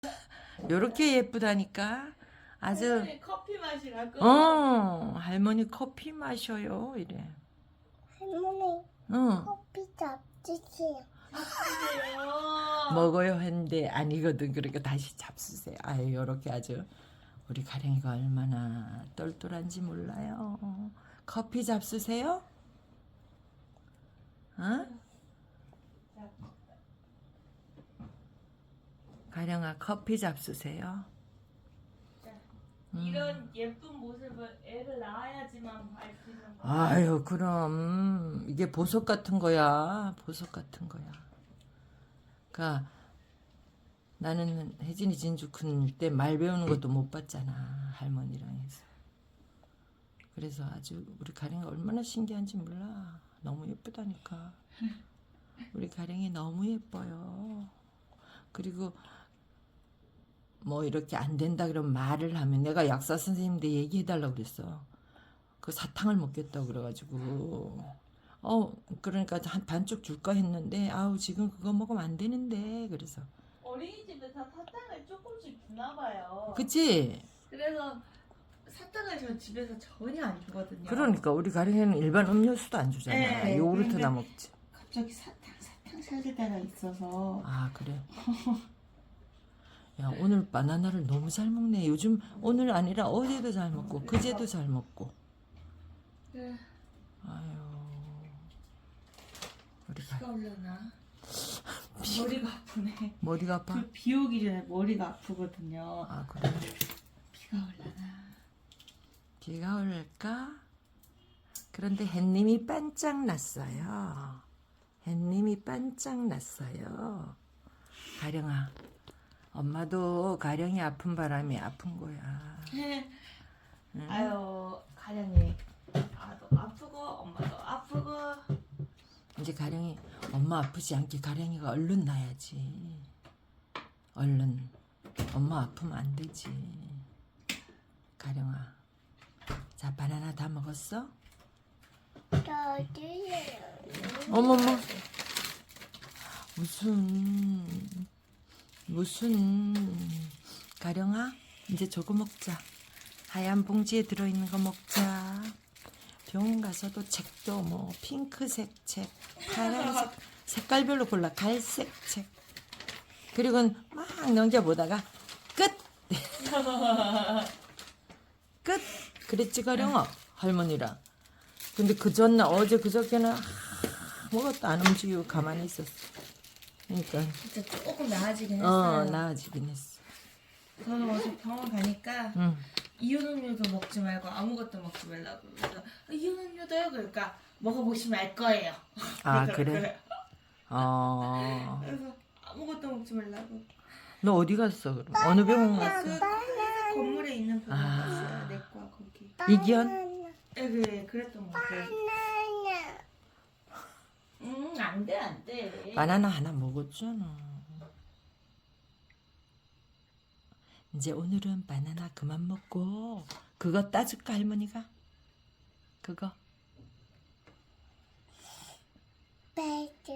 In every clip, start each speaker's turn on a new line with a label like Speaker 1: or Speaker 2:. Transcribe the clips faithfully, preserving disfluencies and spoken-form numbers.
Speaker 1: 요렇게 예쁘다니까. 아주
Speaker 2: 할머니 커피 마시라고?
Speaker 1: 어 할머니 커피 마셔요 이래.
Speaker 3: 할머니
Speaker 1: 응
Speaker 3: 커피 잡수세요.
Speaker 2: 그래요.
Speaker 1: 먹어요 했는데 아니거든. 그러니까 다시 잡수세요. 아유 요렇게 아주 우리 가령이가 얼마나 똘똘한지 몰라요. 커피 잡수세요? 어? 가령아 커피 잡수세요.
Speaker 2: 이런 예쁜 모습을 애를 낳아야지만 볼 수 있는 거야.
Speaker 1: 아유 그럼 이게 보석 같은 거야. 보석 같은 거야. 그러니까 나는 혜진이 진주 큰 때 말 배우는 것도 못 봤잖아. 할머니랑 해서. 그래서 아주 우리 가령이가 얼마나 신기한지 몰라. 너무 예쁘다니까. 우리 가령이 너무 예뻐요. 그리고 뭐 이렇게 안 된다 그러면 말을 하면 내가 약사 선생님한테 얘기해달라고 그랬어. 그 사탕을 먹겠다고 그래가지고 어 그러니까 한 반쪽 줄까 했는데 아우 지금 그거 먹으면 안 되는데 그래서
Speaker 2: 어린이집에서 사탕을 조금씩 주나 봐요.
Speaker 1: 그치?
Speaker 2: 그래서 사탕을 저 집에서 전혀 안 주거든요.
Speaker 1: 그러니까 우리 가령이는 일반 음료수도 안 주잖아.
Speaker 2: 네,
Speaker 1: 요구르트나
Speaker 2: 근데-
Speaker 1: 먹지.
Speaker 2: 갑자기 사탕 사탕 찾을 때가 있어서
Speaker 1: 아 그래. 야 오늘 바나나를 너무 잘 먹네. 요즘 오늘 아니라 어제도 잘 먹고 그제도 잘 먹고.
Speaker 2: 네.
Speaker 1: 아유 우리 가
Speaker 2: 비가 올려나? 머리가 아프네.
Speaker 1: 머리가 아파?
Speaker 2: 그 비 오기 전에 머리가 아프거든요.
Speaker 1: 아 그래.
Speaker 2: 비가 올려나?
Speaker 1: 비가 올까? 그런데 햇님이 반짝 났어요. 햇님이 반짝 났어요. 가령아, 엄마도 가령이 아픈 바람에 아픈 거야. 응?
Speaker 2: 아유 가령이 나도 아프고 엄마도 아프고.
Speaker 1: 이제 가령이 엄마 아프지 않게 가령이가 얼른 나야지. 얼른. 엄마 아프면 안 되지. 가령아. 자, 바나나 다 먹었어?
Speaker 3: 저도요.
Speaker 1: 어머머. 무슨 무슨 가령아 이제 저거 먹자. 하얀 봉지에 들어있는 거 먹자. 병원 가서도 책도 뭐 핑크색 책, 파란색 색깔별로 골라. 갈색 책. 그리고 막 넘겨보다가 끝. 끝. 그랬지 가령아 할머니랑. 근데 그 전날 어제 그저께는 아무것도 안 움직이고 가만히 있었어. 그러니까
Speaker 2: 진짜 조금 나아지긴
Speaker 1: 어
Speaker 2: 했어요.
Speaker 1: 나아지긴 했어.
Speaker 2: 저는 어제 병원 가니까
Speaker 1: 응.
Speaker 2: 이온 음료도 먹지 말고 아무것도 먹지 말라고. 그래서 이온 음료도요? 그러니까 먹어보시면 알 거예요.
Speaker 1: 아
Speaker 2: 그러더라고요.
Speaker 1: 그래? 어.
Speaker 2: 그래서 아무것도 먹지 말라고.
Speaker 1: 너 어디 갔어 그럼? 어느 병원 갔어?
Speaker 2: 그 회사 건물에 있는 병원
Speaker 1: 아.
Speaker 2: 갔어요. 내과 거기.
Speaker 1: 이기현?
Speaker 2: 예, 그래 그랬던 거 같아요.
Speaker 3: 바나나.
Speaker 2: 음, 안 돼, 안 돼.
Speaker 1: 바나나 하나 먹었잖아. 이제 오늘은 바나나 그만 먹고 그거 따줄까 할머니가? 그거
Speaker 3: 베드.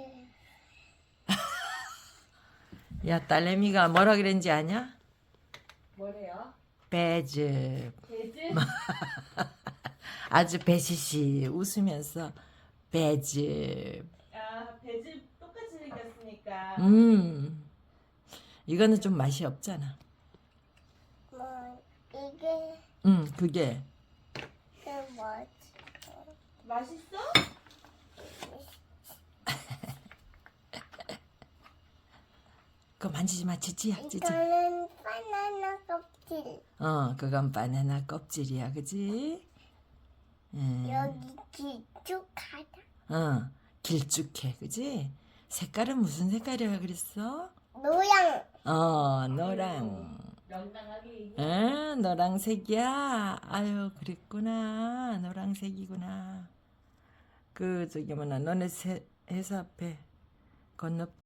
Speaker 1: 야 딸내미가 뭐라 그랬는지 아냐?
Speaker 2: 뭐래요?
Speaker 1: 배즙.
Speaker 2: 배즙?
Speaker 1: 아주 배시시 웃으면서 배즙.
Speaker 2: 아, 배즙 똑같이 생겼으니까.
Speaker 1: 음 이거는 좀 맛이 없잖아.
Speaker 3: 뭐 이게
Speaker 1: 음 그게
Speaker 3: 그 뭐지?
Speaker 2: 맛있어?
Speaker 1: 그거 만지지 마. 찌찌야 찌찌.
Speaker 3: 이거는 바나나 껍질.
Speaker 1: 어 그건 바나나 껍질이야 그지? 음.
Speaker 3: 여기 길쭉하다.
Speaker 1: 어 길쭉해 그지? 색깔은 무슨 색깔이라 그랬어?
Speaker 3: 노양.
Speaker 1: 어 노랑.
Speaker 2: 명랑하게 얘기해.
Speaker 1: 응 노랑색이야. 아유 그랬구나. 노랑색이구나. 그 저기 뭐나 너네 세, 회사 앞에 건너